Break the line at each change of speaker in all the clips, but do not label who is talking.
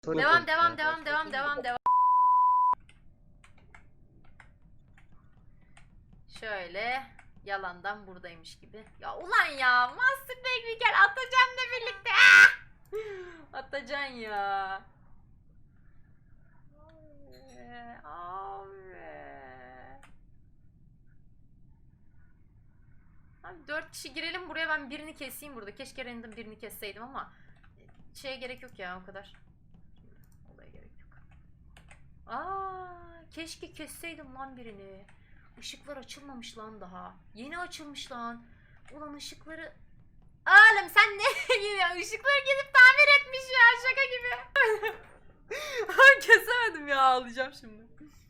Devam. Şöyle yalandan buradaymış gibi. Ya ulan ya Master Tekniker Atacan'la birlikte. Atacan ya. Abi 4 kişi girelim buraya, ben birini keseyim burada. Keşke random birini kesseydim ama şeye gerek yok ya o kadar. Olaya gerek yok. Keşke kesseydim lan birini. Işıklar açılmamış lan daha. Yeni açılmış lan. Ulan ışıkları... Oğlum sen ne gidiyorsun? Işıkları gidip tamir etmiş ya, şaka gibi. Kesemedim ya, ağlayacağım şimdi.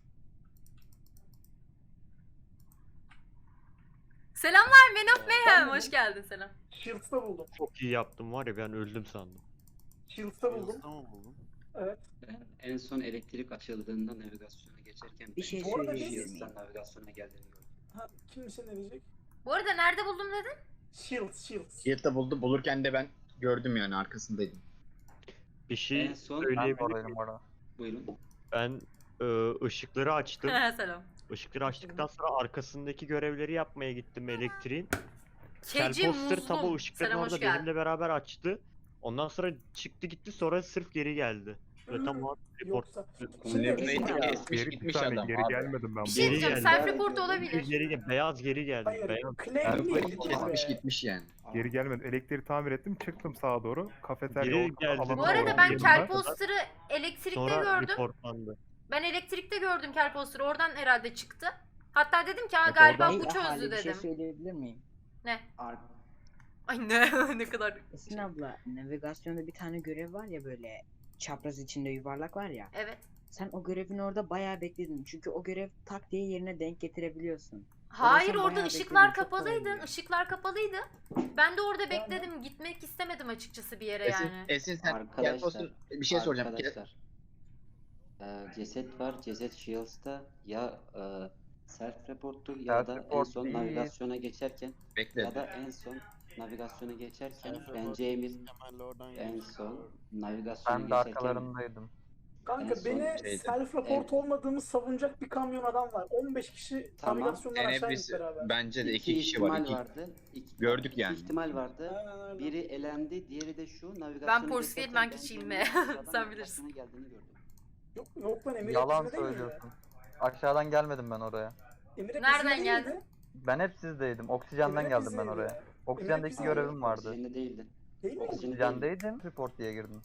Selamlar Man of Mayhem, hoş geldin, selam.
Shields'ta buldum.
Çok iyi yaptım var ya, ben öldüm sandım.
Shields'ta buldum. Evet.
Ben en son elektrik açıldığında navigasyona geçerken
Bir şey
Bu arada
söyleyebilir miyim?
Shields'tan navigasyona geldiğini gördüm.
Ha, kimse ne diyecek?
Bu arada nerede buldum dedin?
Shields.
Yılda buldu. Bulurken de ben gördüm yani, arkasındaydım.
Bir şey
En son
söyleyebilir miyim?
buyurun.
Ben ışıkları açtım.
Selam.
Işıkları açtıktan sonra arkasındaki görevleri yapmaya gittim elektriğin.
Keci
Kelposter tam o
Muzlum.
ışıkların
Selam, hoş
orada
geldin.
benimle beraber açtı. Ondan sonra çıktı gitti, sonra sırf geri geldi. Ve tam o report.
Yoksa.
Esmiş gitmiş adam.
Geri gelmedim ben.
Bir şey
Geri
diyeceğim,
geldi.
self report olabilir.
Beyaz geri geldi.
Hayır.
Beyaz.
Claim'li
Kesmiş gitmiş yani.
Geri gelmedim. Elektriği tamir ettim. Çıktım sağa doğru. Kafeterya
Geri
o
geldi.
alana
Bu arada
doğru
ben
girdim
Kelposter'ı elektrikte
Sonra
gördüm.
reportlandı.
Ben elektrikte gördüm Kelposter'ı, oradan herhalde çıktı. Hatta dedim ki
Yok,
galiba
oradan-
bu çözdü
Bir şey
dedim.
söyleyebilir miyim?
Ne?
Ar
Ay ne ne kadar.
Esin abla, navigasyonda bir tane görev var ya, böyle çapraz içinde yuvarlak var ya.
Evet.
Sen o görevin orada bayağı bekledin. Çünkü o görev tak diye yerine denk getirebiliyorsun.
Hayır,
sen
orada
bayağı
ışıklar
bekledin, çok
kapalıydı.
kolaydı.
Işıklar kapalıydı. Ben de orada bekledim. Gitmek istemedim açıkçası bir yere yani.
Esin sen
Arkadaşlar,
Kelposter bir şey soracağım.
Arkadaşlar, ceset var. Ceset Shields'ta ya self report'tur ya da en son navigasyona geçerken
Bekle.
ya da en son navigasyona geçerken bence Emir en son navigasyona
Ben de
geçerken
arkalarındaydım.
Kanka
En son
beni
şeydi.
self-report olmadığımı savunacak bir kamyon adam var. 15 kişi
Tamam.
navigasyondan aşağı indik
Hepsi,
beraber.
bence de
iki
iki kişi var.
ihtimal
İki.
vardı.
Gördük
iki
yani.
ihtimal vardı.
Aynen öyle.
Biri elendi, diğeri de şu navigasyona
Ben Porsche
geçerken
değil, ben
bence
kişiyim
Emir'in
be.
sağdan
Sen
navigasyona
bilirsin.
geldiğini gördüm.
Yok lan, Emir
Yalan
hepsinde değil miydi?
söylüyorsun. Aşağıdan gelmedim ben oraya.
Emir hepsinde
Nereden
değil
geldin?
miydi?
Ben hep sizdeydim. Oksijenden
Emir
geldim ben
bizdeydi
oraya.
ya.
Oksijendeki
bizdeydi.
görevim vardı.
Oksijende değildi.
Değil mi?
Oksijendeydim. Report diye girdim.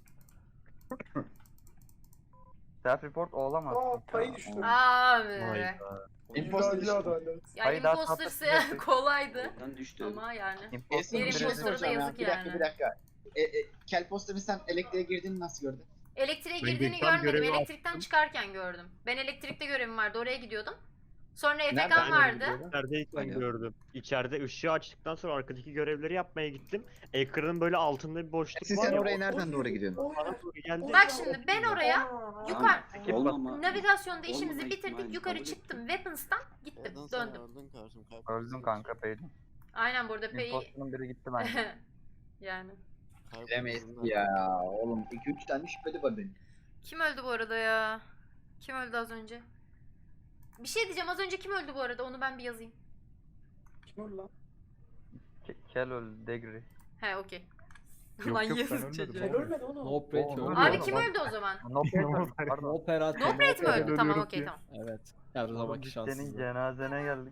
Self report olamaz.
Payı düştü.
Abi.
Vay be.
Imposter
İddiacı adalet.
Yani
Hayır, daha
imposter'sı
tatlı.
kolaydı.
Oradan düştü.
Ama yani.
Esin
Bir
bir şey
imposter'a da
soracağım ya.
yazık
Bir dakika
yani.
bir dakika. Kelposter'ın sen elektriğe girdiğini nasıl gördün?
Elektriğe
Ben
girdiğini
geçen
görmedim.
görevi
Elektrikten
yaptım.
çıkarken gördüm. Ben elektrikte görevim vardı. Oraya gidiyordum. Sonra
Nereden
Efekan vardı.
İçerideyken
Aynen.
gördüm. İçeride ışığı açtıktan sonra arkadaki görevleri yapmaya gittim. Ekranın böyle altında bir boşluk
Esin
var
sen
ya,
oraya nereden doğru gidiyorsun?
bana doğru geldi.
Bak şimdi ben oraya yukarı
Olmama.
navigasyonda işimizi
Olmama
bitirdik.
ihtimalini
Yukarı
kabul
çıktım.
ettim.
Weapons'tan gittim. Döndüm.
Öldüm kanka peydim.
Aynen, burada P'yi
Imposter'ın biri gitti bence.
yani.
Bilemeyiz ya. Oğlum 2-3 tane şüpheli var benim.
Kim öldü bu arada ya? Kim öldü az önce? Bir şey diyeceğim, az önce kim öldü bu arada? Onu ben bir yazayım.
Kim öldü lan?
Kel öldü. Degri.
He, okey.
Yok,
Lan
yok, ben
yazık
ölmedim.
çocuğa.
Kim ölmedi oğlum?
No Prate
Oğlum,
öldü.
Abi
Yok,
kim
bak-
öldü o zaman?
No pardon.
No Prate.
No Prate mi öldü? Tamam,
ölüyorum
okey,
diye.
tamam.
Evet. Her zamanki
Biz senin
şanssızlığı.
cenazene geldik.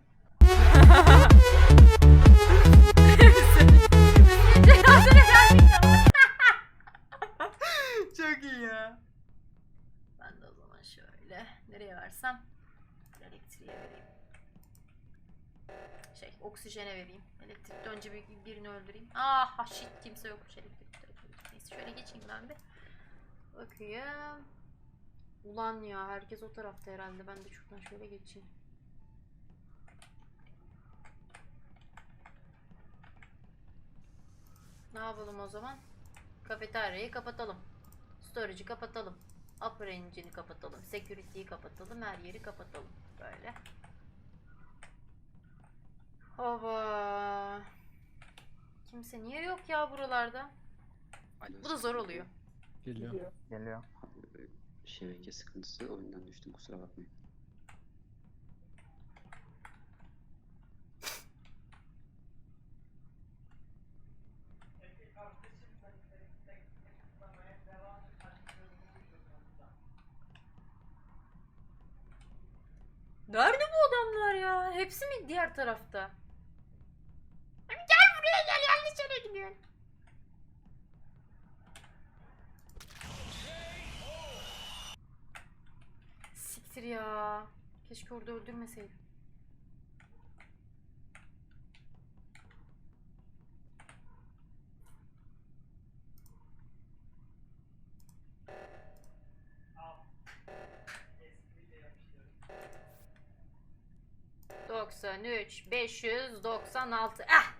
Çok iyi ya. Ben de o zaman şöyle nereye versem, elektriğe vereyim. Oksijene vereyim. Elektrikte önce birini öldüreyim. Ah shit, kimse yokmuş elektrikte. Neyse şöyle geçeyim ben bir. Bakayım. Ulan ya, herkes o tarafta herhalde. Ben de şuradan şöyle geçeyim. Ne yapalım o zaman? Kafeteryayı kapatalım. Storage'ı kapatalım. Upper engine'i kapatalım. Security'yi kapatalım. Her yeri kapatalım. Böyle. Hava. Kimse niye yok ya buralarda? Bu da zor oluyor.
Geliyor.
Geliyor.
şebeke sıkıntısı oyundan düştüm kusura bakmayın.
Nerede bu adamlar ya? Hepsi mi diğer tarafta? Abi gel buraya gel, yanlış yere gidiyorsun. Siktir ya. Keşke orada öldürmeseydim. ...93, 596... Ah!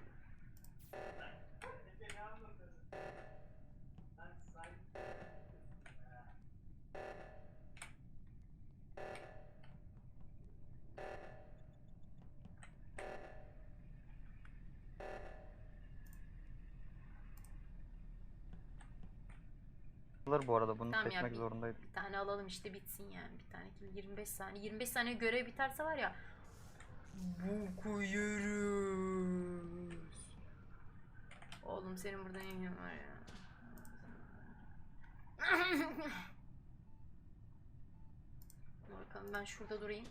Bu arada bunu
Tamam ya,
seçmek
bir-
zorundaydım.
Bir tane alalım işte, bitsin yani. Bir tane kill, 25 saniye. 25 saniye görev biterse var ya... Bu koyarız. Oğlum senin burada ne işin var ya? Dur bakalım, ben şurada durayım.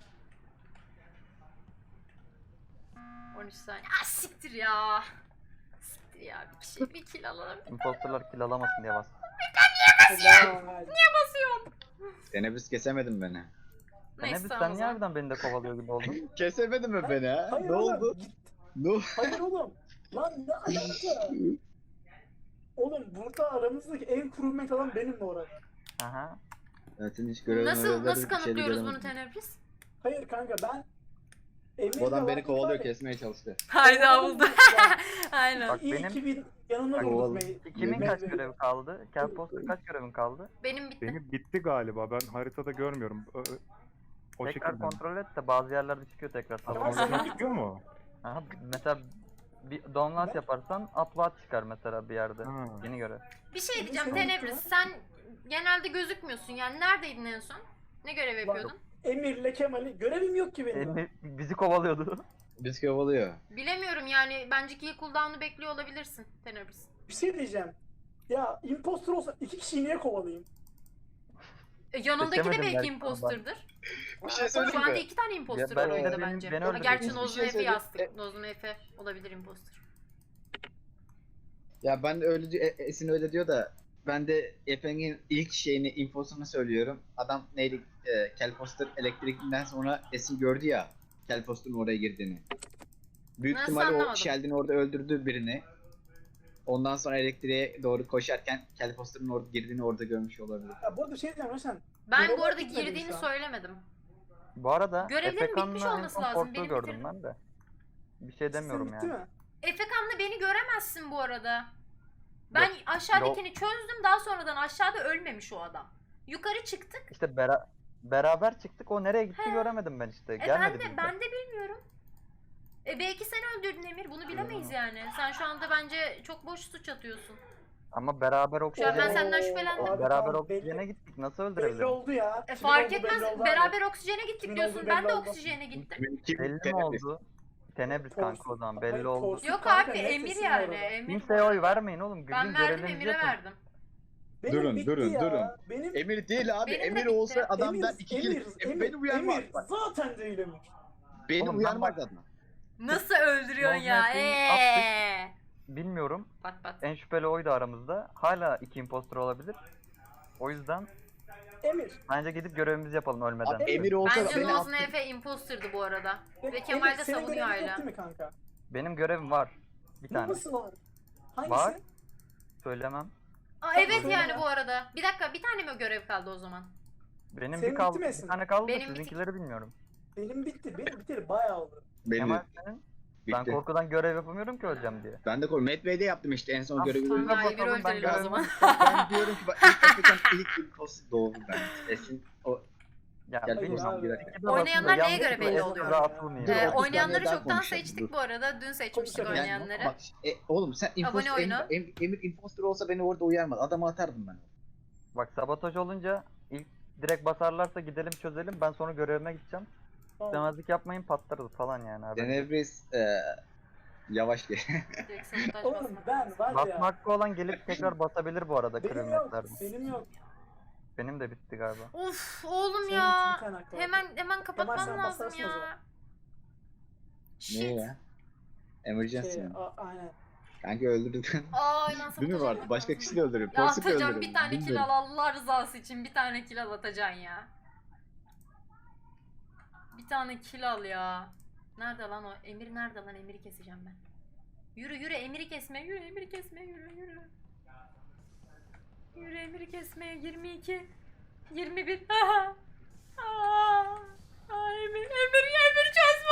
13 saniye. Ah siktir ya. Siktir ya, bir kill alalım.
Imposterlar kill alamasın diye bas.
Helal.
Basıyorum.
Tenebris kesemedin beni.
Ne
Neyse
biz
tamam
sen
o
niye
zaman.
harbiden beni de kovalıyor gibi oldun?
Kesemedin mi beni ha?
Hayır
Ne
oğlum.
oldu?
Git.
Ne oldu?
Hayır oğlum. Lan ne alaka? Oğlum burada aramızdaki en crewmate adam benim bu arada.
Aha.
Zaten hiç görevim
Nasıl kanıtlıyoruz bunu Tenebris?
Hayır kanka ben Emir'le
Bu adam beni
vakit
kovalıyor,
var ya,
kesmeye çalıştı.
Hayda buldu. Aynen.
Bak
İyi
benim-
ki bir yanında
Bak,
durduk
oğlum.
Kimin kaç
Meyve.
görevi kaldı? Kelposter kaç görevin kaldı?
Benim bitti.
Benim bitti galiba. Ben haritada görmüyorum. O
Tekrar
şekilde.
kontrol et de bazı yerlerde çıkıyor tekrar.
Tamam,
Tamam.
sen-
Çıkıyor mu?
Aha, mesela bir download yaparsan upload çıkar mesela bir yerde.
Ha.
Yeni görev.
Bir şey
Senin
diyeceğim
senin
Tenebris.
bitti
Sen genelde gözükmüyorsun. Yani neredeydin en son? Ne görev yapıyordun?
Emir'le Kemal'i görevim yok ki benim.
Bizi kovalıyordu.
Biz kovalıyor.
Bilemiyorum yani. Bence kill cooldown'u bekliyor olabilirsin Tenebris.
Bir şey diyeceğim. Ya impostor olsa iki kişiyi niye kovalayayım?
Yanındaki de
Seçemedim
belki
belki
imposter'dır.
Bir şey
Şu anda
söyleyeyim mi?
2 tane imposter
Ya
var
belki de
oyunda
beni-
bence.
beni
Ha,
öldürecek.
gerçi
Bir
Nozum
şey
Efe
söyleyeyim.
yazdık. Nozum Efe olabilir imposter.
Ya ben de öyle Esin öyle diyor da ben de Efe'nin ilk şeyini infosunu söylüyorum. Adam neydi? Kelposter elektrikten sonra Esin gördü ya Kelposter'ın oraya girdiğini. Büyük
Nasıl
ihtimalle o
anlamadım?
Sheldon orada öldürdü birini. Ondan sonra elektriğe doğru koşarken Kelposter'ın orada girdiğini orada görmüş olabilir.
Ya bu arada bir şey diyeceğim Roşan.
Ben
Görevler
bu arada
bitmedi
girdiğini
şu an.
söylemedim.
Bu arada
Görevlerin bitmiş
Efekan'la en
olması
son
lazım,
Fort'u
benim
gördüm
bitirdim.
ben de. Bir şey demiyorum
Sizin bitti
yani.
mi?
Efekan'la beni göremezsin bu arada. Ben aşağıdakini çözdüm, daha sonradan aşağıda ölmemiş o adam. Yukarı çıktık.
İşte beraber çıktık, o nereye gitti göremedim ben işte. Gelmedi bizde.
Ben de bilmiyorum. Belki sen öldürdün Emir, bunu bilemeyiz yani. Sen şu anda bence çok boş suç atıyorsun.
Ama beraber
Şu an
oksijene,
ben senden şüphelendim.
Abi,
beraber
tamam,
oksijene
belli-
gittik. Nasıl
Belli
öldürebilirim?
oldu ya. Kimin
Fark
oldu
etmez.
belli oldu abi.
Beraber oksijene gittik
Kimin
diyorsun.
oldu
Ben
belli
de
oldu.
oksijene gittim.
Belli mi oldu? Tenebris kanka o zaman belli
Hayır,
oldu.
Korsu
Yok
kanka,
abi,
net
Emir
kesin
yani.
orada.
Emir.
Kimseye oy vermeyin oğlum.
Ben
Güzün
verdim,
görevinizi
Emir'e
yapın.
verdim.
Benim
Durun,
bitti
durun,
ya.
durun.
Benim
Emir değil abi.
Benim de
Emir
bitti.
olsa adam
Emir,
der iki
Emir,
kere.
Emir,
Beni uyarmaz
Emir
bak.
zaten değil Emir.
Beni
Oğlum ben
uyarmaz
bak-
adam.
Nasıl öldürüyorsun
Nozum
ya?
Efe'yi Bilmiyorum.
Bak.
En şüpheli oydu aramızda. Hala iki impostor olabilir. O yüzden
Emir.
bence gidip görevimizi yapalım ölmeden.
Abi Emir olsa
Bence
beni
Nozun
attı.
Efe imposterdı bu arada. Ve
Emir,
Kemal de
senin
savunuyor
görevin yok
hala.
değil mi kanka?
Benim görevim var. Bir tane.
Nasıl var? Hangisi?
Var. Söylemem.
Aa, evet
Söyle
yani
ya.
bu arada. Bir dakika, bir tane mi görev kaldı o zaman?
Benim
Senin
bir kaldı.
bitti mi Esin?
Bir tane kaldı da
Benim
sizinkileri bilmiyorum.
Benim bitti. Benim biteli bayağı oldu.
Belli.
Kemal senin? Ben
Bitti.
korkudan görev yapamıyorum ki öleceğim diye.
Ben de Matt Bey'de yaptım işte en son görevi.
Tamam,
Bakalım,
Emir öldürelim o
görevimi-
zaman.
Ben diyorum ki bak ilk Afrikan ilk imposter doğru ben. Esin o
Ya
Gel
bilmiyorum.
abi.
Oynayanlar neye göre
Yanlış
belli
mı?
oluyor?
Atılmayayım.
Dur,
ya.
30
Oynayanları
saniye daha
çoktan
konuşalım,
seçtik
dur.
bu arada. Dün seçmiştik
Konuşalım.
oynayanları.
bak oğlum sen
Abone oyunu.
Emir imposter olsa beni orada uyarmaz. Adamı atardım ben.
Bak sabotaj olunca ilk Direkt basarlarsa gidelim çözelim. Ben sonra görevime gideceğim.
Tamam.
Demezlik yapmayın, patlarız falan yani abi.
Tenebris yavaş gel.
Direkt sabotaj
Oğlum
basmak
ben
lazım.
var ya.
Basma hakkı olan gelip tekrar basabilir bu arada
Benim yok.
kırılmaklardan.
Benim yok.
Benim de bitti galiba.
Of oğlum
Senin
ya.
bir tane hakkı var.
Hemen kapatmam
sen
lazım
basarsın o zaman.
ya.
Niye
Shit.
ya? Emergency
Şey,
mi?
aynen.
Kanka öldürdük.
Aynen
Değil mi
sabotaj
vardı?
yapmak
Başka
lazım.
kişi de öldürür.
Ya
Porsuk
atacağım
öldürür.
bir tane kill
Bilmiyorum.
al Allah rızası için bir tane kill al atacaksın ya. Bir tane kill al ya. Nerede lan o? Emir nerede lan? Emir'i keseceğim ben. Yürü Emir'i kesme. Yürü Emir'i kesme. Yürü. Yürü Emir'i kesmeye 22 21. Emir çöz